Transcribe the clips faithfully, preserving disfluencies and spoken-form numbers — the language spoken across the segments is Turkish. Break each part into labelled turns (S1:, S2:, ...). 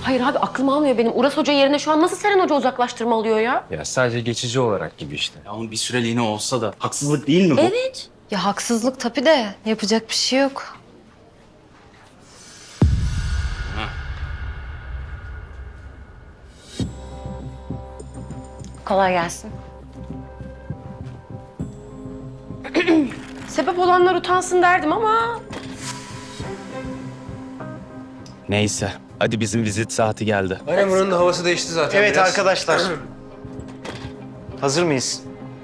S1: Hayır abi aklım almıyor benim. Uras Hoca yerine şu an nasıl Seren Hoca uzaklaştırma alıyor ya?
S2: Ya sadece geçici olarak gibi işte.
S3: Ya onun bir süreliğine olsa da haksızlık değil mi bu?
S1: Evet.
S4: Ya haksızlık tabii de yapacak bir şey yok.
S1: Kolay gelsin. Sebep olanlar utansın derdim ama...
S3: Neyse. Hadi bizim vizit saati geldi.
S2: Aynen buranın da havası değişti zaten.
S5: Evet
S2: biraz.
S5: arkadaşlar. Hazır mıyız?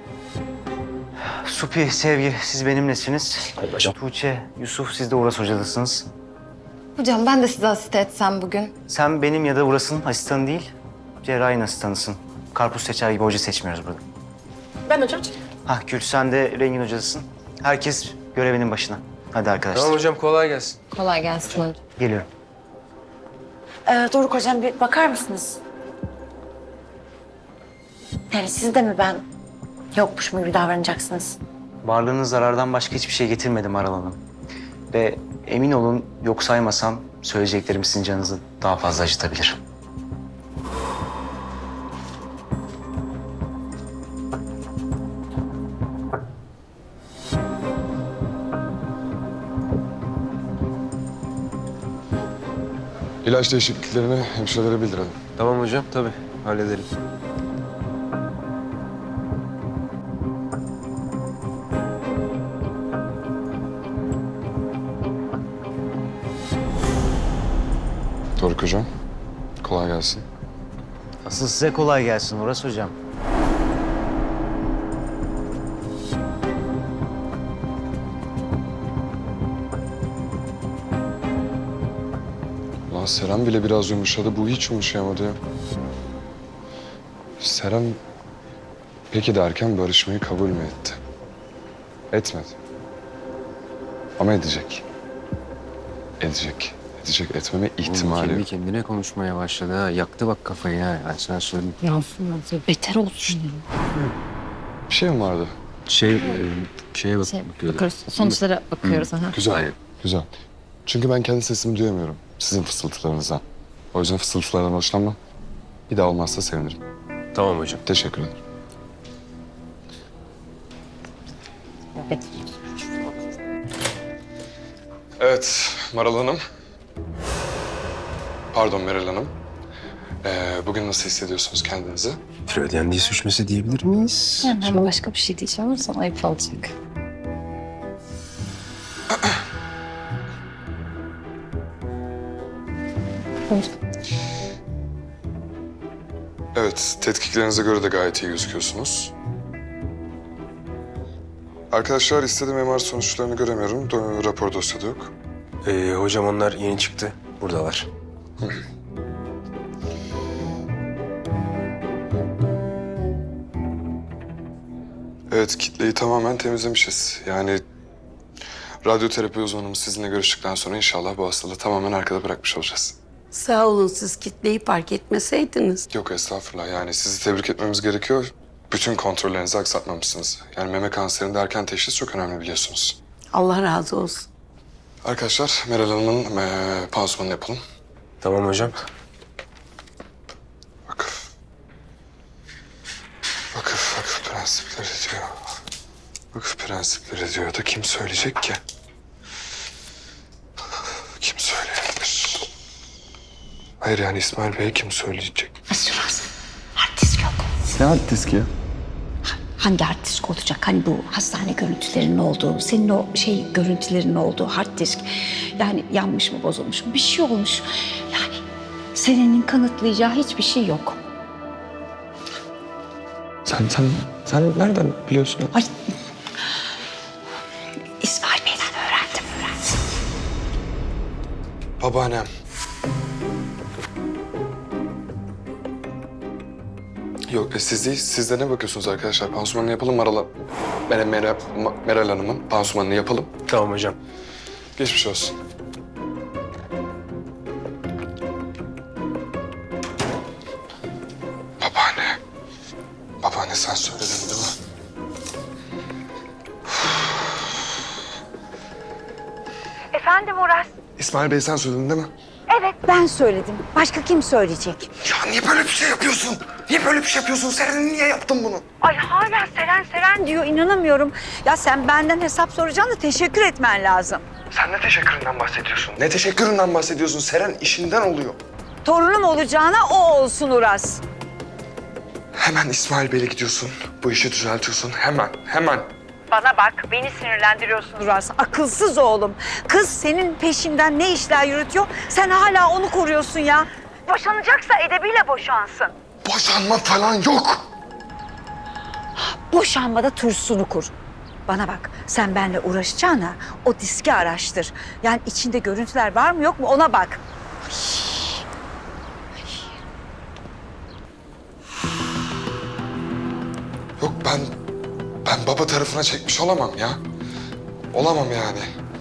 S5: Supi, Sevgi siz benimlesiniz. Tuğçe, Yusuf siz de Uras hocadasınız.
S4: Hocam ben de size asiste etsem bugün.
S5: Sen benim ya da Uras'ın asistanı değil, cerrahin asistanısın. Karpuz seçer gibi hoca seçmiyoruz burada.
S1: Ben hocam.
S5: Hah Gül sen de Rengin hocadasın. Herkes görevinin başına. Hadi arkadaşlar.
S2: Tamam hocam kolay gelsin.
S4: Kolay gelsin hocam.
S5: Geliyorum.
S6: Ee, Doruk hocam bir bakar mısınız? Yani siz de mi ben yokmuş mu gibi davranacaksınız?
S5: Varlığınız zarardan başka hiçbir şey getirmedi Maral Hanım. Ve emin olun yok saymasam söyleyeceklerim sizin canınızı daha fazla acıtabilir.
S7: İlaç değişikliklerini hemşirelere bildirelim.
S2: Tamam hocam tabii halledelim.
S7: Doruk hocam, kolay gelsin.
S5: Asıl size kolay gelsin Uras hocam.
S7: Ulan Seren bile biraz yumuşadı, bu hiç yumuşayamadı ya. Seren peki derken barışmayı kabul mü etti? Etmedi. Ama edecek. Edecek. Edecek, etmeme ihtimali
S2: Kendi
S7: yok.
S2: kendine konuşmaya başladı ha. Yaktı bak kafayı ha. Ben sana söyleyeyim.
S4: Yansın beter olsun.
S7: Bir şey mi vardı?
S2: Şey, e, şeye bak,
S4: Şey,
S2: bakıyordum.
S4: bakıyoruz, sonuçlara bakıyoruz. Aha.
S7: Güzel,
S2: Aynen.
S7: güzel. Çünkü ben kendi sesimi duyamıyorum sizin fısıltılarınızdan. O yüzden fısıltılardan hoşlanmam. Bir daha olmazsa sevinirim.
S2: Tamam hocam.
S7: Teşekkür ederim. Evet, Maral Hanım. Pardon Meral Hanım. Ee, bugün nasıl hissediyorsunuz kendinizi?
S2: Freudian dil sürçmesi diyebilir miyiz?
S4: Ama başka bir şey diyeceğim ama sana ayıp olacak.
S7: Evet, tetkiklerinize göre de gayet iyi gözüküyorsunuz. Arkadaşlar istediğim M R sonuçlarını göremiyorum. Do- rapor dosyada yok.
S2: Ee, hocam onlar yeni çıktı. Buradalar.
S7: Evet, kitleyi tamamen temizlemişiz. Yani radyoterapi uzmanımız sizinle görüştükten sonra inşallah bu hastalığı tamamen arkada bırakmış olacağız.
S8: Sağ olun siz kitleyi fark etmeseydiniz.
S7: Yok estağfurullah, yani sizi tebrik etmemiz gerekiyor. Bütün kontrollerinizi aksatmamışsınız. Yani meme kanserinde erken teşhis çok önemli biliyorsunuz.
S8: Allah razı olsun.
S7: Arkadaşlar Meral Hanım'ın eee pansumanını yapalım.
S2: Tamam hocam.
S7: Vakıf. Vakıf, vakıf prensipleri diyor. Vakıf prensipleri diyor da kim söyleyecek ki? Kim söyleyebilir? Hayır yani İsmail Bey kim söyleyecek?
S9: Nasıl var? Hard disk yok.
S7: Ne hard diski ya?
S9: Hangi hard disk olacak? Hani bu hastane görüntülerinin olduğu, senin o şey görüntülerinin olduğu hard disk. Yani yanmış mı, bozulmuş mu? Bir şey olmuş. Yani senenin kanıtlayacağı hiçbir şey yok.
S7: Sen, sen, sen nereden biliyorsun?
S9: Ay. İsmail Bey'den öğrendim, öğrendim.
S7: Babaannem. Yok e, siz değil, siz de ne bakıyorsunuz arkadaşlar? Pansumanını yapalım Maral, Meral, Meral, Meral Hanım'ın pansumanını yapalım.
S2: Tamam hocam.
S7: Geçmiş olsun. Babaanne. Babaanne sen söyledin değil mi?
S6: Efendim Uras?
S7: İsmail Bey sen söyledin değil mi?
S9: Evet ben söyledim. Başka kim söyleyecek?
S7: Ya niye böyle bir şey yapıyorsun? Niye böyle bir şey yapıyorsun? Seren niye yaptın bunu?
S9: Ay hala Seren Seren diyor inanamıyorum. Ya sen benden hesap soracaksın da teşekkür etmen lazım.
S7: Sen ne teşekküründen bahsediyorsun? Ne teşekküründen bahsediyorsun? Seren işinden oluyor.
S9: Torunum olacağına o olsun Uras.
S7: Hemen İsmail Bey'le gidiyorsun. Bu işi düzeltiyorsun. Hemen, hemen.
S9: Bana bak beni sinirlendiriyorsun Uras. Akılsız oğlum. Kız senin peşinden ne işler yürütüyor? Sen hala onu koruyorsun ya. Boşanacaksa edebiyle boşansın.
S7: Boşanma falan yok.
S9: Boşanmada tursunu kur. Bana bak sen benimle uğraşacağına o diski araştır. Yani içinde görüntüler var mı yok mu ona bak.
S7: Yok ben, ben baba tarafına çekmiş olamam ya. Olamam yani.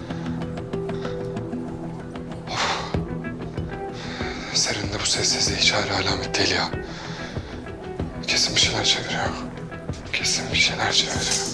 S7: Of. Serin de bu sessizliği hiç hala alamet değil ya. Kesin bir şeyler çeviriyor. Kesin bir şeyler çeviriyor.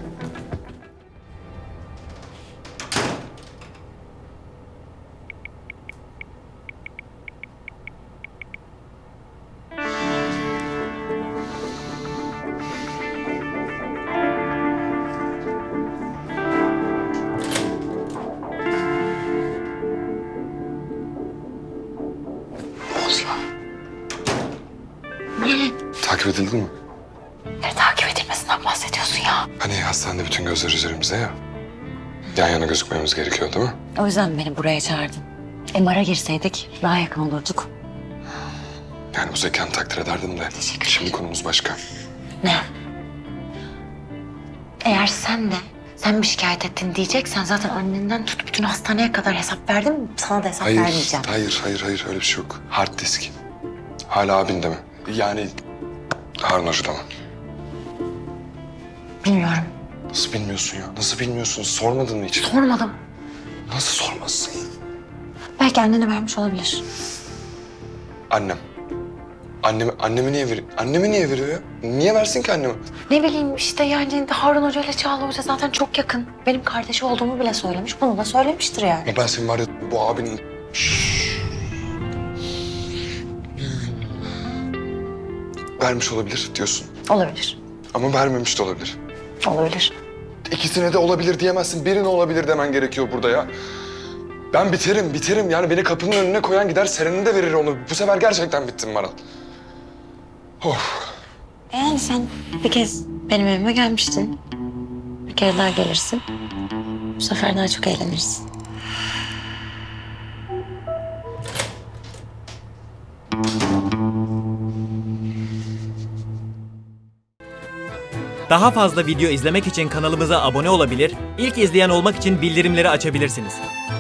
S7: Takip edildin mi?
S9: Ne takip edilmesinden bahsediyorsun ya?
S7: Hani hastanede bütün gözler üzerimizde ya. Yan yana gözükmemiz gerekiyor değil mi?
S4: O yüzden beni buraya çağırdın. M R'a girseydik daha yakın olurduk.
S7: Yani bu zekanı takdir ederdim de.
S4: Teşekkür
S7: Şimdi
S4: ederim.
S7: konumuz başka.
S4: Ne? Eğer sen de sen mi şikayet ettin diyeceksen zaten annenden tut bütün hastaneye kadar hesap verdim. Sana da hesap
S7: Hayır,
S4: vermeyeceğim.
S7: hayır, hayır, hayır. Öyle bir şey yok. Hard disk. Hala abinde mi? Yani Harun Hoca'da mı?
S4: Bilmiyorum.
S7: Nasıl bilmiyorsun ya? Nasıl bilmiyorsun? Sormadın mı hiç?
S4: Sormadım.
S7: Nasıl sormazsın?
S4: Belki annene vermiş olabilir.
S7: Annem. Annemi, annemi niye veriyor? Annemi niye veriyor ya? Niye versin ki annemi?
S4: Ne bileyim işte yani Harun Hoca ile Çağla Hoca zaten çok yakın. Benim kardeşi olduğumu bile söylemiş. Bunu da söylemiştir yani.
S7: Ama ben senin var ya bu abinin... Vermiş olabilir diyorsun.
S4: Olabilir.
S7: Ama vermemiş de olabilir.
S4: Olabilir.
S7: İkisine de olabilir diyemezsin. Birine olabilir demen gerekiyor burada ya. Ben biterim, biterim. Yani beni kapının önüne koyan gider Seren'e de verir onu. Bu sefer gerçekten bittim Maral. Of.
S4: Yani sen bir kez benim evime gelmiştin. Bir kere daha gelirsin. Bu sefer daha çok eğlenirsin.
S10: Daha fazla video izlemek için kanalımıza abone olabilir, ilk izleyen olmak için bildirimleri açabilirsiniz.